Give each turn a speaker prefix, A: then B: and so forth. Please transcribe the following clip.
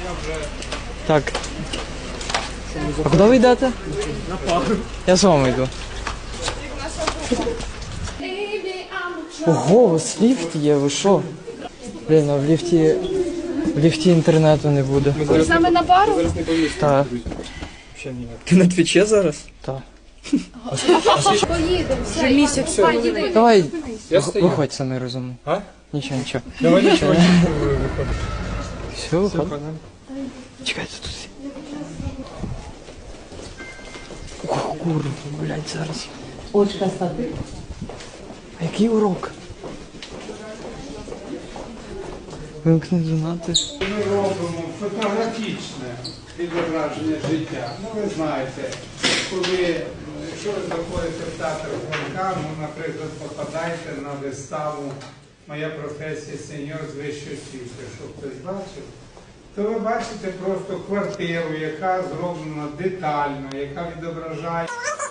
A: Так. А куди ви йдете? На пару. Я з вами йду. Ого, у вас ліфт є, ви що? Блін, а в ліфті інтернету не буде.
B: Ви з нами на пару?
A: Так.
C: Ти на твічі зараз?
A: Так.
B: Поїдемо, вже місяць.
A: Давай,
C: Я стою.
A: виходь самий розумний.
C: А?
A: Нічого, нічого.
C: Давай нічого не виходить.
A: Все, виходь. Чекайте тут. Ох, курва, блядь, зараз.
D: Очка стати.
A: А який урок? Вимкни донати.
E: Ми робимо фотографічне відображення життя. Ну, ви знаєте, якщо ви заходите в театр Франка, ну, наприклад, попадаєте на виставу «Моя професія сеньор з вищої освіти», що хтось бачив, то ви бачите просто квартиру, яка зроблена детально, яка відображає